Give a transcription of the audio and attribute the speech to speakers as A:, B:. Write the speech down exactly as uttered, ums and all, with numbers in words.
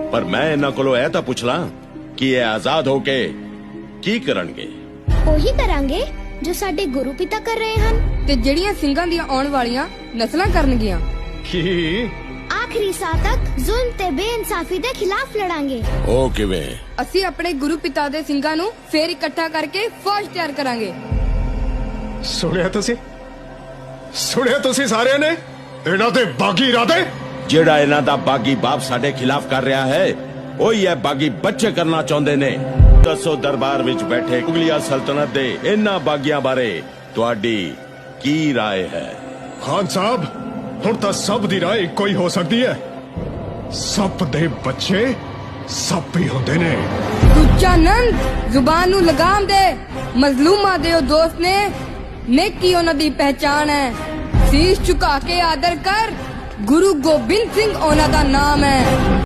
A: पर मैं इन्हां कोलों ਇਹ ਤਾਂ ਪੁੱਛ ਲਾਂ ਕਿ ਇਹ ਆਜ਼ਾਦ ਹੋ ਕੇ ਕੀ ਕਰਨਗੇ।
B: ਉਹੀ ਕਰਾਂਗੇ ਜੋ ਸਾਡੇ ਗੁਰੂ ਪਿਤਾ ਕਰ ਰਹੇ ਹਨ
C: ਤੇ ਜਿਹੜੀਆਂ ਸਿੰਘਾਂ ਦੀਆਂ ਆਉਣ ਵਾਲੀਆਂ ਨਸਲਾਂ ਕਰਨਗੀਆਂ।
D: ਕੀ
B: ਆਖਰੀ ਸਾਹ ਤੱਕ ਜ਼ੁਲਮ ਤੇ ਬੇਇਨਸਾਫੀ ਦੇ ਖਿਲਾਫ ਲੜਾਂਗੇ।
A: ਉਹ ਕਿਵੇਂ?
C: ਅਸੀਂ ਆਪਣੇ ਗੁਰੂ ਪਿਤਾ ਦੇ ਸਿੰਘਾਂ ਨੂੰ ਫੇਰ ਇਕੱਠਾ ਕਰਕੇ ਫੌਜ ਤਿਆਰ ਕਰਾਂਗੇ।
D: ਸੁਣਿਆ ਤੁਸੀਂ ਸੁਣਿਆ ਤੁਸੀਂ ਸਾਰਿਆਂ ਨੇ ਇਹਨਾਂ ਦੇ ਬਾਗੀ ਇਰਾਦੇ।
A: ਜਿਹੜਾ ਇਹਨਾਂ ਦਾ ਬਾਗੀ ਬਾਪ ਸਾਡੇ ਖਿਲਾਫ ਕਰ ਰਿਹਾ ਹੈ ਉਹੀ ਇਹ ਬਾਗੀ ਬੱਚੇ ਕਰਨਾ ਚਾਹੁੰਦੇ ਨੇ। ਦੱਸੋ ਦਰਬਾਰ ਵਿੱਚ ਬੈਠੇ ਮੁਗਲਿਆ ਸਲਤਨਤ ਦੇ ਇਹਨਾਂ ਬਾਗੀਆਂ ਬਾਰੇ ਤੁਹਾਡੀ ਕੀ ਰਾਏ ਹੈ?
D: ਖਾਨ ਸਾਹਿਬ ਹੁਣ ਤਾਂ ਸਭ ਦੀ ਰਾਏ ਇੱਕੋ ਹੀ ਹੋ ਸਕਦੀ ਹੈ। ਸੱਪ ਦੇ ਬੱਚੇ ਸੱਪ ਹੀ ਹੁੰਦੇ ਨੇ।
C: ਦੂਜਾ ਨੰਦ ਜ਼ੁਬਾਨ ਨੂੰ ਲਗਾਮ ਦੇ। ਮਜ਼ਲੂਮਾਂ ਦੇ ਉਹ ਦੋਸਤ ਨੇ, ਨੇਕੀ ਉਹਨਾਂ ਦੀ ਪਹਿਚਾਨ ਹੈ। ਸੀਸ ਝੁਕਾ ਕੇ ਆਦਰ ਕਰ, ਗੁਰੂ ਗੋਬਿੰਦ ਸਿੰਘ ਉਹਨਾਂ ਦਾ ਨਾਮ ਹੈ।